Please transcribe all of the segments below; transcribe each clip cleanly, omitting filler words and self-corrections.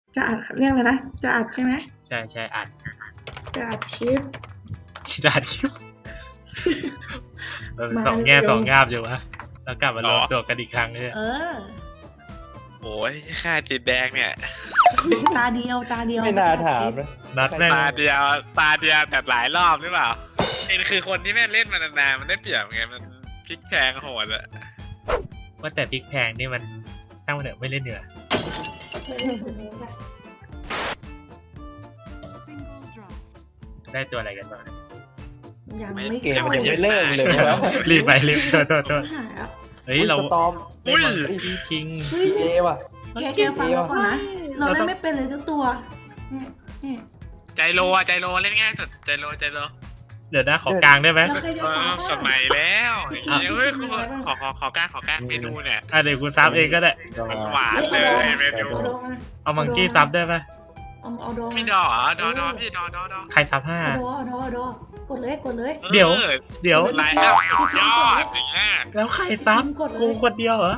จะอัดเรียกเลยนะจะอัดใช่ไหมใช่ใช่อัดจะอัดคลิปจะอัดคลิปสองแง่สองงาบอยู่วะแล้วกลับมารวมตัวกันอีกครั้งเนี่ยโอ้ยค่าติดแดงเนี่ยตาเดียวไม่น่าถามนะนัดแม่งตาเดียวแต่หลายรอบหรือเปล่าเอ็นคือคนที่แม่งเล่นมานานๆมันได้เปรียบไงมันพลิกแพงโหดอะว่าแต่พริกแพงนี่มันช่างมันเถอะไม่เล่นเหนือ ได้ตัวอะไรกันบ้างยังไม่เกมมันยังไม่เริ่มเลยวะรีบไปรีบโทษหายอ่ะเฮ้ยเราสตอมอุ้ยคิงเอว่ะแกฟังเราก่อนนะเราเล่นไม่เป็นเลยทุกตัวนี่ใจโลเล่นง่ายสุดใจโลเดี๋ยวนะขอกลางได้ไหมเราเคยจะสอนสมัยแล้วเฮ้ยขอการเมนูเนี่ยเดี๋ยวกูซับเองก็ได้มันหวานเลยเมนูเอามังกี้ซับได้ไหมเอาดอมีดอดอพี่ดอใครซับ5 เอาดกดเลยเดี๋ยวไลน์อัพสุดยอดอย่างเงี้ยแล้วใครซับกูคนเดียวเหรอ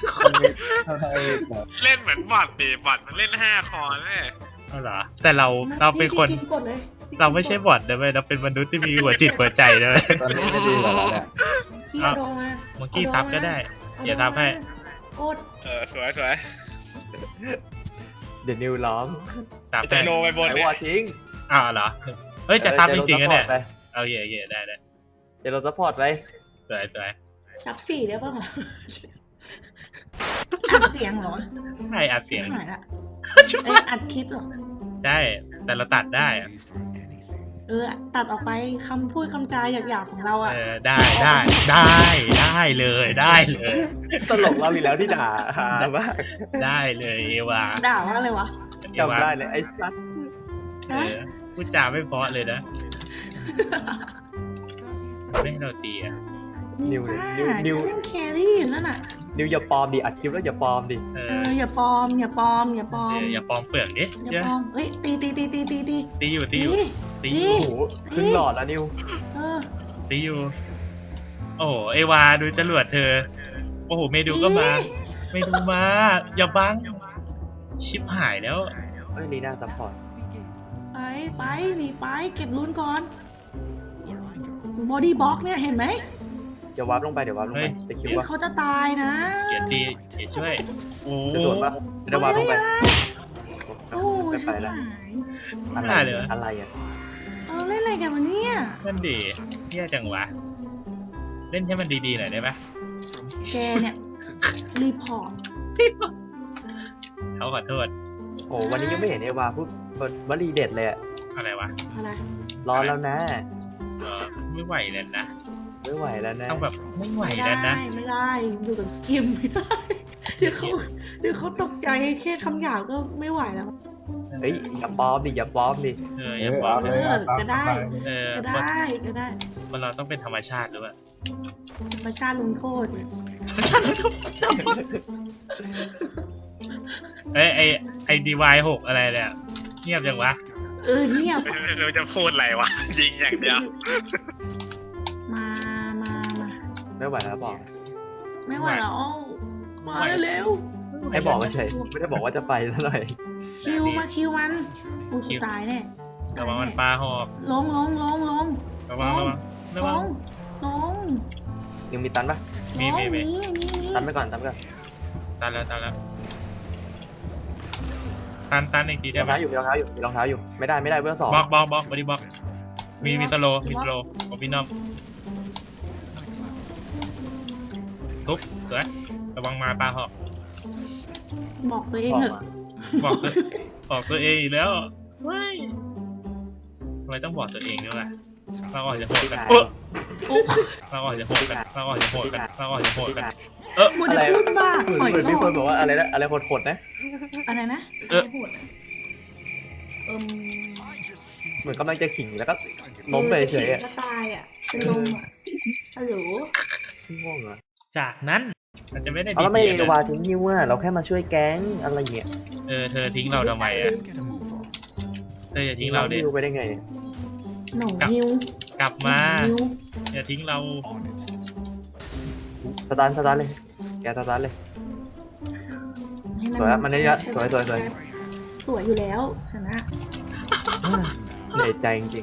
เล่นเหมือนบอทดิบอทมันเล่น5 คอแม่เอาเหรอแต่เราเป็นคนกดเลยเราไม่ใช่บอทนะเว้ยเราเป็นมนุษย์ที่มีหัวจิตหัวใจนะเว้ยตอนนี้ไม่ดีกว่าแล้วเนี่ยพี่เอาดอมามังกี้ซับก็ได้เดี๋ยวซับให้กดสวยเดี๋ยวนิวร้องซับใจให้โลไปบนไอ้เนี่วย อทิ้งเหรอเฮ้ยจะซับจริงๆนะเนี่ยไปเอาเย่ได้เดี๋ยวเราซัพพอร์ตไปสวยซับ4ได้ป่ะอัดเสียงเหรอใช่อัดเสียงหายละอัดคลิปเหรอใช่แต่เราตัดได้อะตัดออกไปคำพูดคำจาหยาบๆของเราอ่ะได้เลยตลกเราอีกแล้วที่ด่าฮามากได้เลยเอวาด่าว่าอะไรวะจำได้เลยไอ้สัสพูดจาไม่เพราะเลยนะไม่ให้เราตีอ่ะนิวเล่นิวนแครี่อยู่นั่นน่ะนิวอย่าปลอมดิอัดคลิปแล้วอย่าปลอมดิอย่าปลอมอย่าปลอมเปลือกดิอย่าปลอมเฮ้ยตีตีอยู่โอ้โหขึ้นหลอดแล้วนิวตีอยู่โอ้โหเอวาดูจรวดเธอโอ้โหเมดูก็มาอย่าบังชิบหายแล้วเฮ้ยลีน่าซัพพอร์ตไปหนีไปเก็บลุ้นก่อนบอดี้บล็อกเนี่ยเห็นไหมเดี๋ยววาร์ปลงไปจะคิดว่าเขาจะตายนะเกียรตีเกียรช่วยโอ้จะสวนปะจะได้วาร์ปลงไปโอ้ยไปแล้ว อะไรอ่ะเล่นอะไรกันวะเนี่ยนั่นดิแย่จังวะเล่นให้มันดีๆหน่อยได้ไหมแกเนี่ยรีพอร์ตเขาขอโทษโอ้วันนี้ยังไม่เห็นเอวาพูดวลีเด็ดเลยอะอะไรวะอะไรร้อนแล้วนะไม่ไหวแล้วนะไม่ไหวแล้วนะต้องแบบไม่ไหวไม่แล้วนะได้อยู่กับกิมไม่ได้เดี๋ยวเขาตกใจแค่คำหยาบก็ไม่ไหวแล้วเฮ้ยอย่าปลอมดิอย่าปลอมดิอย่าบอกก็ได้ว่าก็ได้ว่าเราต้องเป็นธรรมชาติหรือเปล่าธรรมชาติลงโทษไอ้DY6อะไรเนี่ยเงียบจังวะเงียบเราจะพูดอะไรวะยิงอย่างเดียวมาไม่ไหวแล้วบอกไม่ไหวแล้วมาเร็วให้บอกเฉยไม่ได้บอกว่าจะไปซะหน่อยคิวมันอู้ตายแน่ระวังมันปลาหอกลงระวังยังมีตันปะมีตันไปก่อนตันแล้วตันอีกทีมีได้รองไหมเท้าอยู่มีรองเท้าอยู่ไม่ได้เบื้องสองบล็อกบอดี้บล็อกมีสโลของพี่น้องทุบสวยระวังมาปลาหอกบอกตัวเองเถอะบอกตัวเองอีกแล้วว้ายทำไมต้องบอกตัวเองด้วยล่ะเราออกจะโหดกันเราออกจะโหดกันมูดพูดบ้าเหมือนมีคนบอกว่าอะไรนะอะไรโหดๆนะอะไรนะเหมือนกำลังจะขิงแล้วก็ล้มไปเฉยๆก็ตายอ่ะเป็นลมอ่ะฮัลโหลง่วงเหรอจากนั้นมันจะไม่ได้เอาแล้วไม่เอวาทิ้งนิวอ่ะเราแค่มาช่วยแก๊งอะไรเงี้ยเธอทิ้งเราทำไมอ่ะเธออย่าทิ้งเราดินิวไปได้ไงหนูนิวกลับมาอย่าทิ้งเราสตาร์ทเลยแกสตาร์ทเลยสวยมันนี่ละสวยสวยอยู่แล้วชนะเหนื่อยใจจริง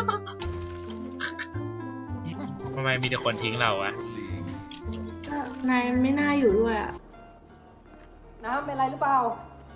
ทำไมมีแต่คนทิ้งเราอะก็นายไม่น่าอยู่ด้วยอะน้ำเป็นไรหรือเปล่า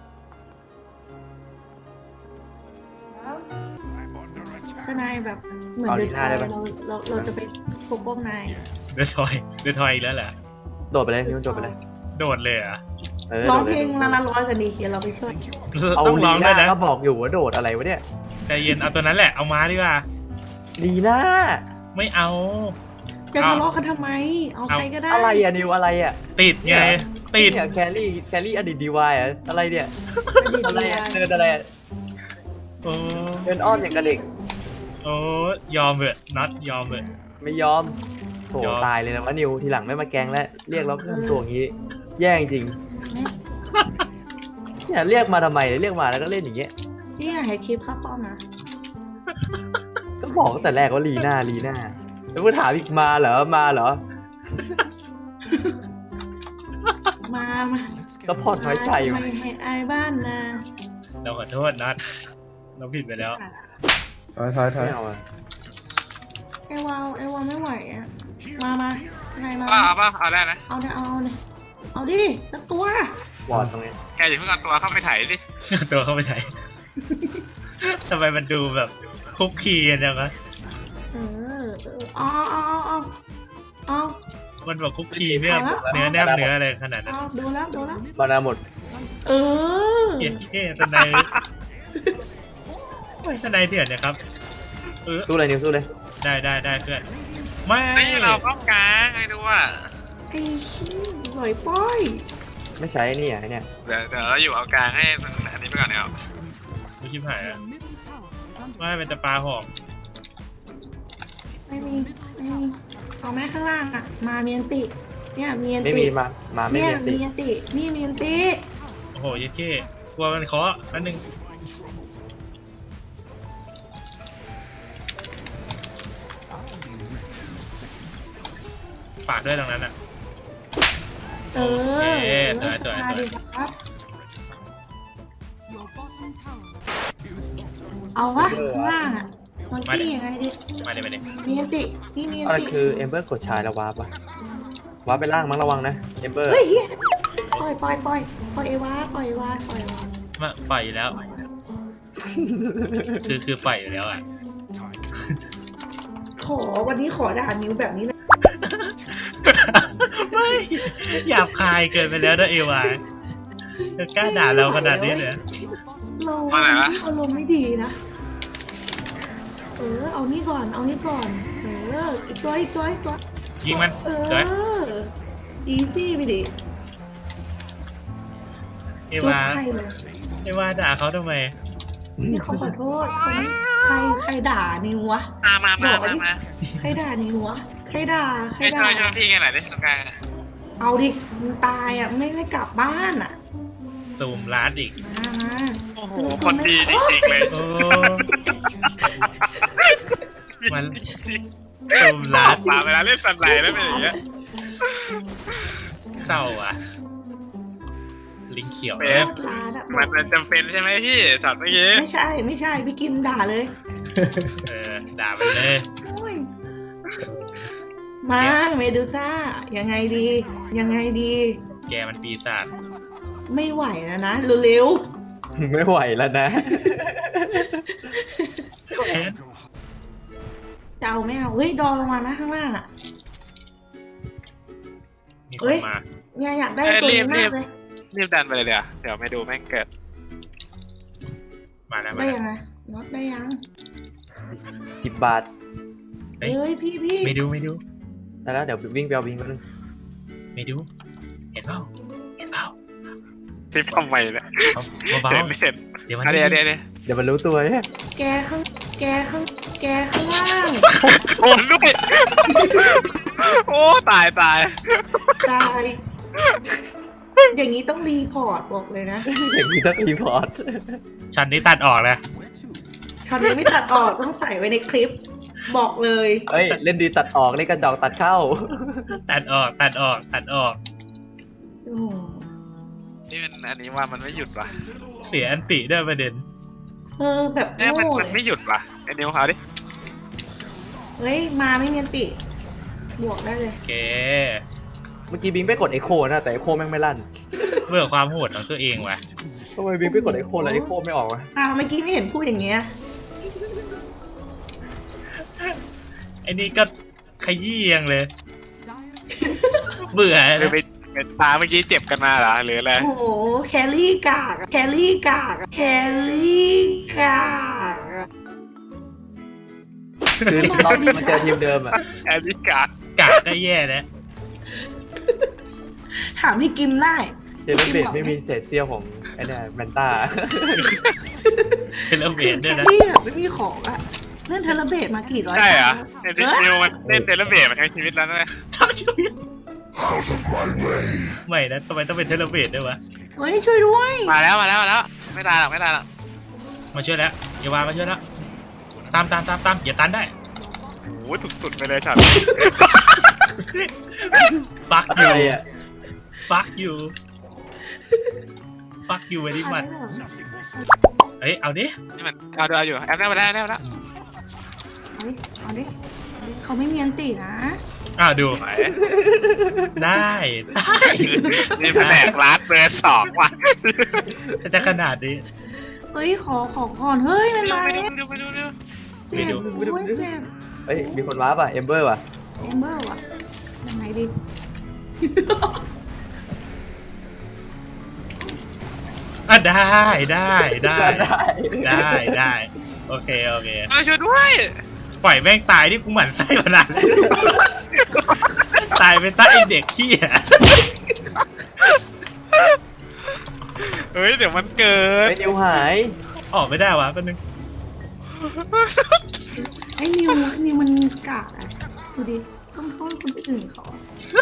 น้ำถ้านายแบบเหมือนเดินทางเราจะไปปกป้องนายเดือดทอยอีกแล้วเหรอๆโดดไปเลยนิ้วโดดไปเลยโดดเลยเหรอะร้องเพลงละร้อยกันดีเดี๋ยวเราไปช่วยเอาต้องลีร้องด้น่าวยนะก็บอกอยู่ว่าโดดอะไรวะเนี่ยใจเย็นเอาตัวนั้นแหละเอามาดีกว่าลีน่าไม่เอาจะทะเลาะกันทำไม เอาใครก็ได้อะไรอะนิวอะไรอะติดไงติดเนี่ยแครี่อดีตดีวายอะอะไรเนี่ยอะไรอะเดินอะไรอะโอ้เดินอ้อมอย่างกับเด็กโอ้ยอมเถอะน็อตยอมเถอะไม่ยอมโถยอมตายเลยนะวะนิวทีหลังไม่มาแกล้งแล้วเรียกเราเพิ่มตัวอย่างงี้ แย่จริงเนี่ยเรียกมาทำไมเรียกมาแล้วก็เล่นอย่างเงี้ยนี่อยากให้คลิปข้าป้อมนะก็บอกตั้งแต่แรกว่าลีน่าแล้วก็ถามอีกมาเหรอมาก็พอดน้อยใจอยู่ไม่ให้อายบ้านนะเราขอโทษน็อตเราผิดไปแล้วไม่เอาอะไอวาวไม่ไหวอ่ะ มานายมาเอาป่ะเอาได้นะเอาเลยเอาดิสักตัววอดตรงนี้แกอย่าเพิ่งเอาตัวเข้าไปไถดิตัวเข้าไปไหน ทำไมมันดูแบบคุกคีกันจังวะเอามันบอกคุกคีเนื้อแนบเนื้ออะไรขนาดนั้นเอาดูแล้วบานาหมดเออเหี้ยเท่สไนด์โอ้ยสไนด์เถื่อนนะครับนิวสู้เลยได้เพื่อนไม่ไม่เราป้องกลางไอ้ดูว่าไอ้ชี้หน่อยป้อยไม่ใช้นี่อ่ะเนี่ยเดี๋ยวเราอยู่เอากลางให้มันอันนี้ไปก่อนเนี่ยไม่ชิบหายอะไม่เป็นแต่ปลาหอมไม่มีเอาแม่ข้างล่างอ่ะ มาเมียนติ เนี่ยเมียนไม่ติมีมาไม่เนี่ยมีติเมียนติ นี่เมียนติโอ้โหยัดเข้กลัวมันเคาะอันหนึ่งฝากด้วยตรงนั้นอ่ะเออโอเคสวยมาดิครับ เอาวะข้างล่างอ่ะมันขี้ยังไงดิมาเลยเมียนติ นี่เมียนอะไรติคือเอมเบอร์กดชายแล้ววาร์ปวะวาร์ปไปล่างมั้งระวังนะเอมเบอร์เฮ้ยเฮียปล่อยไอ้วาปล่อยวามาปล่อยอยู่แล้ว คือปล่อยอยู่แล้วอ่ะวันนี้ขอด่านิ้วแบบนี้เลยไม่หยาบคายเกินไปแล้วนะเอวาเธอกล้าด่าเราขนาดนี้เลยเราอารมณ์ไม่ดีนะ เอานี่ก่อน อีกตัวยิงมันอีซี่ไปดิเอจุ๊บวาใครเลยเอวาด่าเขาทำไมนี่เขาขอโทษใครด่านิววะมาใครด่านิววะใครด่าให้ช่วยพี่กันหน่อยดิตรงกลางเอาดิมึงตายอ่ะไม่ได้กลับบ้านอ่ะซูมร้านอีกมาโอ้โหคนดีจริงๆเลยโอ้มันซูมร้านมาเวลาเล่นสันไหลแล้วเป็นอย่างเงี้ยเศร้าอ่ะ ลิงเขียวร้านอ่ะมันจำเป็นใช่ไหมพี่ช็อตเมื่อกี้ไม่ใช่พี่กินด่าเลยด่าไปเลยโอ้ยมาเมดูซ่ายังไงดีแกมันปีศาจไม่ไหวแล้วนะเร็วไม่ไหวแล้วนะๆจะเอาไม่เอาเฮ้ยดอลงมานะข้างล่างอ่ะมีคนมาเนี่ยอยากได้ตัวนี้มากเลยรีบดันไปเลยเดี๋ยวไม่ดูแม่งเกิดมาแล้วได้ยังไงน็อตได้ยัง 10 บาทเอ้ยพี่ไม่ดูแต่แล้วเดี๋ยววิ่งไปเอาวิ่งกันงไม่ดู เห็นเปล่าทิปทำไมเนี่ยเบาเสร็จๆเดี๋ยวมันเดี๋ยวเดี๋ยวมันรู้ตัวเนี่ยแกข้างล่างโอนด้วยโอ้ตายตายอย่างนี้ต้องรีพอร์ตบอกเลยนะอย่างนี้ต้องรีพอร์ตฉันนี่ตัดออกเลยช็อตนี้ไม่ตัดออกต้องใส่ไว้ในคลิป บอกเลยเฮ้ยเล่นดีตัดออกเล่นกระจอกตัดเข้าตัดออกโอ้โหนี่มันอันนี้ว่ามันไม่หยุดว่ะเสียอันติด้วยประเด็นแบบเนี่ยมันโง่มันไม่หยุดว่ะไอ้นิวเอาดิเฮ้ยมาไม่มีอันติ บวกได้เลยโอเคเมื่อกี้บิงไปกดเอ็กโคนะแต่เอ็กโคแม่งไม่ลั่นเบื่อความโหดของตัวเองว่ะทำไมบิงไปกดเอ็กโคแล้วเอ็กโคไม่ออกวะเมื่อกี้ไม่เห็นพูดอย่างเงี้ยไอ้นี่ก็ขยี้ยังเลย เบื่อคือนะไปเป็นตาเมื่อกี้เจ็บกันมาเหรอหรืออะไรโอ้โหแครี่กากอะแครี่กากอะแครี่กากอะคือตอนมาเจอทีมเดิมอะแอริกากะได้แย่แล้วถามพี่กิมได้เจเลเบตไม่มีเศษเสี้ยวของไอ้เนี่ยแมนต้าเทเลเบตแคด้วยนะรี่แบบไม่มีของอะเล่นเทเลเบตมากี่ร้อยใช่เหรอครั้งไอ้นิวมันเล่นเทเลเบตมาทั้งชีวิตแล้วนะทั้งชีวิตไม่นะทำไมต้องเป็นเทเลเบตด้วยวะเฮ้ยช่วยด้วยมาแล้วไม่ตายหรอกไม่ตายหรอกมาช่วยแล้วอย่าวามาช่วยแล้วตามอย่าตันได้โอ้ยสุดๆไปเลยฉันฟักอะยูไรอะฟักยูฟักยูไว้ดิมันเฮ้ยเอาดินี่มันเอาอยู่แอปได้มาแล้วเอาดิเอาดิเขาไม่มีอันตินะดูไหนได้ได้นี่แผนกรัดเบอร์2ว่ะจะขนาดนี้เฮ้ยขอก่อนเฮ้ยมันมาไปแล้วดูไม่ดูเจ็บโอ้ยเจ็บเฮ้ยมีคนว้าป่ะเอมเบอร์ป่ะเอมเบอร์ว่ะยังไงดีได้โอเคช่วยด้วยปล่อยแม่งตายที่กูหมั่นไส้มานานแล้วตายไปใต้ไอ้เด็กขี้อ่ะเฮ้ยเดี๋ยวมันเกิดไอ้นิวหายออกไม่ได้วะแป๊บนึงไอ้นิวมันกากอ่ะดูดิต้องโทษคนอื่นเขา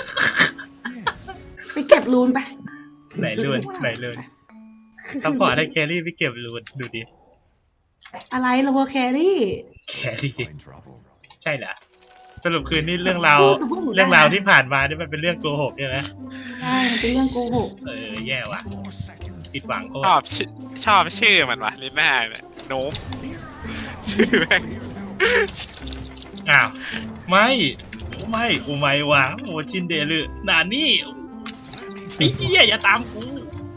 ไปเก็บรูนไปไหนลื่นซัพพอร์ตให้แครี่ไปเก็บรูนดูดิอะไรเราแครี่แครี่ใช่เหรอสรุปคืนนี้เรื่องราวที่ผ่านมานี่มันเป็นเรื่องโกหกใช่ไหมใช่มันเป็นเรื่องโกหกแย่ว่ะผิดหวังโคตชอบชื่อมันว่ะลิน่าเนี่ยโน้มชื่อแม่งอ้าวไม่โอ้ไม่วะโอชินเดลือนานี่ไอ้เหี้ยอย่าตามกู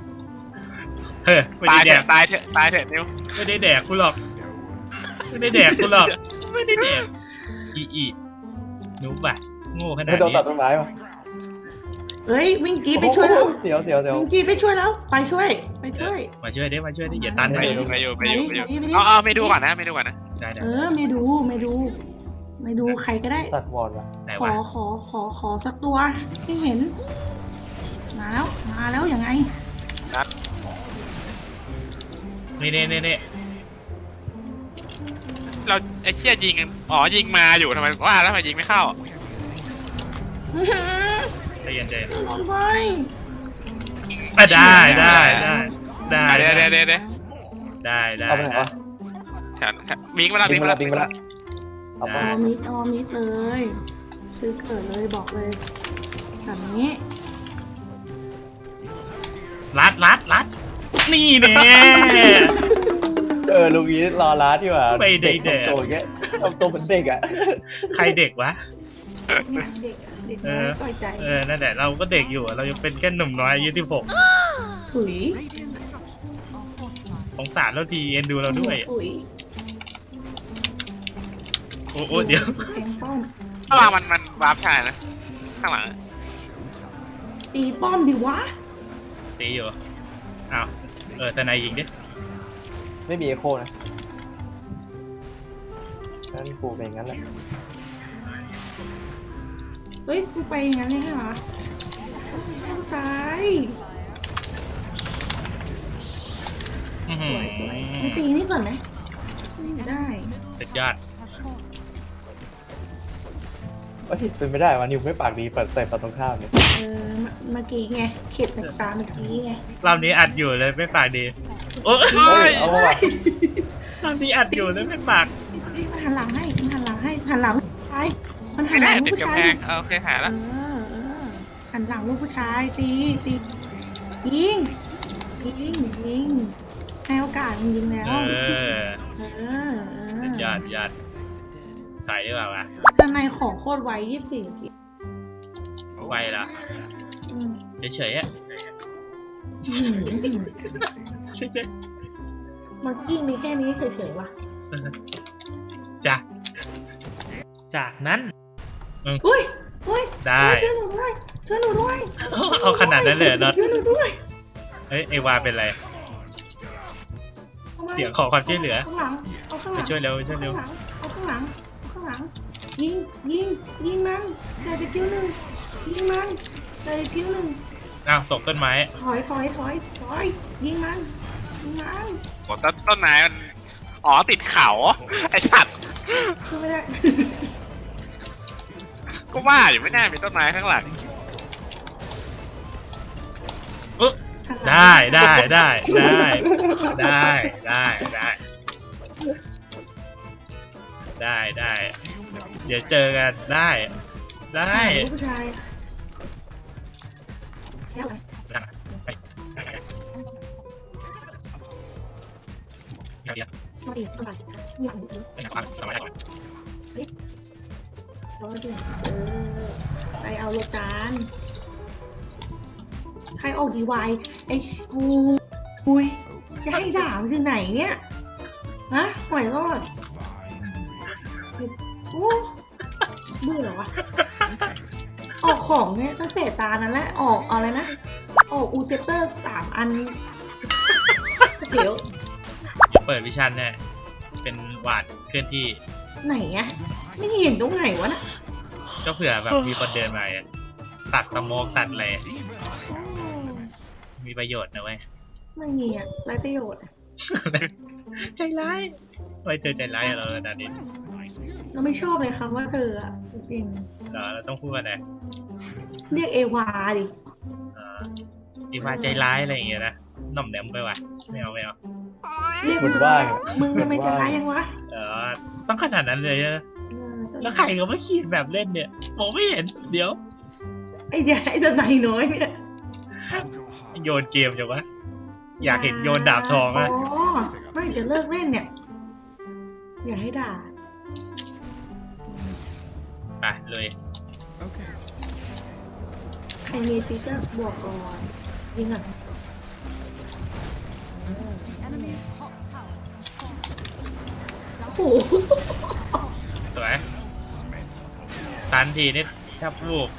ไม่ตาได้ยแดเถอะกตายเถอะนิวไม่ได้แดกกูหรอกไม่ได้แดกอีหนูป่ะโง่ขนาไม่ดโดนนี้ตัดต้นไม้ป่ะเฮ้ยวิ่งจีไปช่วยแล้วเสียววิ่งจีไปช่วยแล้วไปช่วยมาช่วยดิอย่าตันไปไปอยู่ไปดิเอาไม่ดูก่อนนะได้ไม่ดูใครก็ได้ตัดวอร์ดว่ะไหนขอวะขอสักตัวไม่เห็นมาแล้วยังไงนี่เราไอ้เชี่ยยิงยิงมาอยู่ทำไมว่าแล้วทำไมยิงไม่เข้าใจเย็นลงไปได้เดี๋ยวได้เอาไปไหนวะฉันบิงมาแล้วบิงไปละเอาไปออมิดเลย ซื้อเกิดเลยบอกเลยแบบนี้รัดนี่แน่ลูกนี้รอร้านที่ว่าไม่ได้แดกทำตัวแกทำตัวเหมือนเด็กอ่ะใครเด็กวะเนี่ยเด็กน้อยปล่อยใจนั่นแหละเราก็เด็กอยู่เรายังเป็นแค่หนุ่มน้อยอายุ16 ถุยสงสารเราทีเอ็นดูเราด้วยถุยโอ้เดี๋ยวแทงป้อมระหว่างมันวาร์ปชายนะข้างหลังตีป้อมดิวะตีอยู่อ้าวทนายยิงดิไม่มีเอ็กโคนะงั้นกูเป็นงั้นแหละเฮ้ยกูไปอย่างนั้นเลยเหรอข้างซ้าย สวยมันตีนี่ก่อนไหมไม่ได้สุดยอดเป็นไม่ได้วะนิวไม่ปากดีเปิดใส่ฝั่งตรงข้ามเนี่ยเมื่อกี้ไงเข็ดจากตาเมื่อกี้ไงรอบนี้อัดอยู่เลยไม่ปากดีโอ้เฮ้ยเอาว่ะรอบนี้อัดอยู่เลยไม่ปากมันหันหลังให้หันหลังผู้ชายมันหัไม่นหได้ลังติดผู้กำชาแพยงโอเคหาแล้วหันหลังลูกผู้ชายตียิงยิงยิงให้โอกาสยิงแล้วเออเออยอดยอดถอยดีกว่าวะด้านในของโคตรไว24นาทีไวเหรออืมเฉยๆอ่ะ เฉยเมื่อกี้มีแค่นี้เฉยๆว่ะๆจ้ะจากนั้นอุ้ยอุ้ยได้ช่วยหนูด้วยช่วยหนูด้วยเอาขนาดนั้นเลยเหรอน็อตช่วยหนูด้วยเฮ้ยไอวาเป็นไร เสียงขอความช่วยเหลือข้างหลังเอาข้างหไปลังช่วยเร็วไปช่วยเร็วเอาข้างหลังเอาข้างหลังยิงยิงมันได้ไปคิ้วหนึ่งยิงมันได้ไปคิ้วหนึ่งอ้าวตกต้นไม้ถอยยิงมันยิงมันโอ้ต้นไม้มันอ๋อติดเขาไอสัตว์ช่วยไม่ได้ก็ว่าอยู่ไม่น่ามีต้นไม้ข้างหลังอึ๊ะได้ได้ได้ได้ได้ได้ได้ได้ได้ เดี๋ยวเจอกันได้ได้ผู้ชายแค่อะไรเดี๋ยวมาดิต้องไปมีของอีกไปหาความสบายก่อนแล้วก็ดิไปเอาโลจานใครออกดีวายไอ้คุยจะให้ด่ามันถึงไหนเนี่ยฮะปล่อยรอดโอ้เบื่อวะออกของเนี่ยตั้งแต่ตานั้นแหละออกอะไรนะออกอูเจเตอร์3 อันเดี๋ยวเปิดวิชันเนี่ยเป็นหวาดเคลื่อนที่ไหนอะไม่เห็นตรงไหนวะน่ะก็เผื่อแบบมีคนเดินมาอะตัดสโมกตัดอะไรโอ้มีประโยชน์นะเว้ยไม่มีอะไรประโยชน์อะใจร้ายไว้เธอใจร้ายกับเราขนาดนี้เราไม่ชอบเลยคำว่าเธออะจริงเหรอเราต้องพูดว่าไงเรียกเอวาดิอีวาใจร้ายอะไรอย่างเงี้ยนะหน่อมแหนมไปว่ะไม่เอาไม่เอาเรียกหมดว่างมึงทำไมใจร้ายยังวะต้องขนาดนั้นเลยนะเออแล้วใครก็ไม่ขีดแบบเล่นเนี่ยมองไม่เห็นเดี๋ยวไอ้เดี๋ยวไอ้จะไหนน้อยเนี่ยโยนเกมจังวะอยากเห็นโยนดาบทองอ๋อะอไม่จะเลิกเล่นเนี่ย อย่าให้ด่าไปเลยใครมีฟิกเกอร์บวกก่อนยิงอ่ะโอ้โหสวยตันทีนี่แทบลูก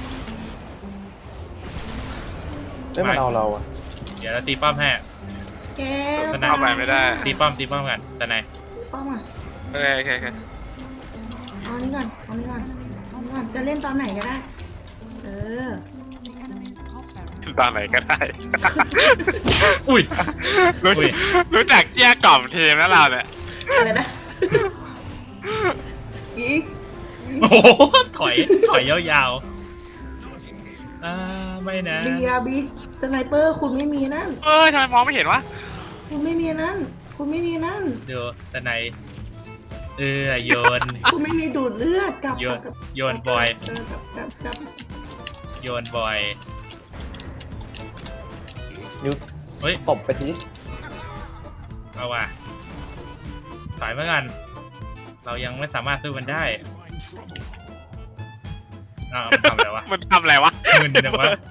ไม่มันเอาเราอ่ะเดี๋ยวเราตีป้อมให้แกเข้าไปไม่ได้ตีป้อมกันแต่ไหนป้อมอ่ะโอเคโอเคโอเคเอานี่ก่อนเอานี่ก่อนเอานี่ก่อนจะเล่นตอนไหนก็ได้ เออตอนไหนก็ได้อุ้ยรู้อุ้ยรู้จักเจี้ยกล่อมทีมแล้วเราเนี่ยอะไรนะอีกโอ้โหถอยยาวๆไม่นะบีสไนเปอร์คุณไม่มีนั่นเอ้ยทำไมมองไม่เห็นวะคุณไม่มีนั่น คุณไม่มีนั่นดูแต่ไหนโยนคุณไม่มีดูดเลือดกลับโยนกลับโยนบอยกลับโยนบอยนิ้วเฮ้ยตบไปทีเอาว่ะถอยมากันเรายังไม่สามารถสู้มันได้มันทำอะไรวะมันทำอะไรวะมึนจังวะ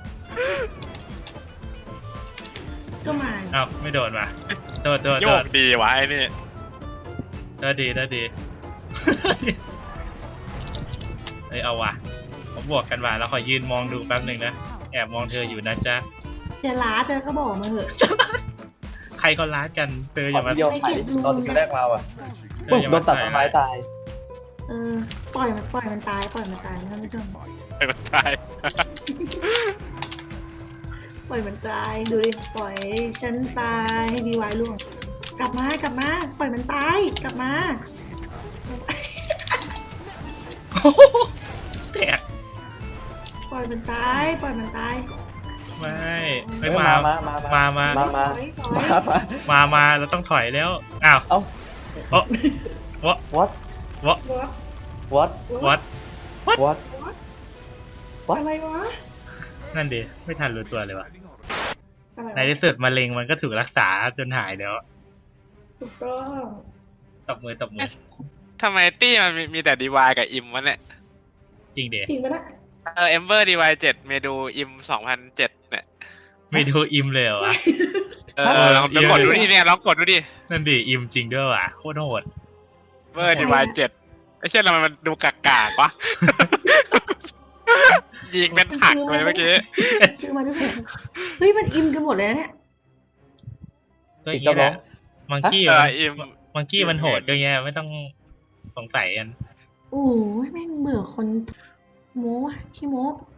ก็มาไม่โดนว่ะโดนโยกดีวะไอ้นี่ดีเอ้ยเอาว่ะผมบวกกันว่ะแล้วขอยืนมองดูแป๊บหนึ่งนะแอบมองเธออยู่นะจ๊ะจะล้าเธอก็บอกมาเถอะใครก็รักกันเธออขอย่ามาเดียวถ่ายตอนที่แรกมาอ่ะเธออย่าโดมานตัดต้นไม้ตายเออปล่อยมันตายนะท่านผู้ชมไอ้มันตายปล่อยมันตายดูดิปล่อยฉันตายให้ดีไว้ล่วงกลับมาปล่อยมันตายกลับมาแตกปล่อยมันตายไม่มามามาเราต้องถอยแล้วอ้าวเอ้า what what what what what what อะไรวะนั่นดิไม่ทันรู้ตัวเลยวะอะไรในวะที่สุดมะเร็งมันก็ถูกรักษาจนหายแล้วถูกต้องตบมือตบมือทำไมตี้มันมีแต่ดีวายกับอิมวะเนี่ยจริงเดจริงปะเนะเอมเบอร์ดีวาย7เมดูอิม2007เนี่ยไม่ดูอิมเลยเหรอวะลองกดดูดิเนี่ยลองกดดูดินั่นดิอิมจริงด้วยว่ะโคตรโหดเบอร์ดีวาย7ไอ้เช่นทำไมมันดูกากๆวะ ยิงเป็นผักเลยเมื่อกี้ซื้อมาด้วยเหรอเฮ้ยมันอิมกันหมดเลยนะเนี่ยก็อย่างนี้นะมังกี้อิมมังกี้มันโหดก็เงี้ยไม่ต้องสงสัยกันโอ้ยแม่งเบื่อคนโม้อะขี้โม้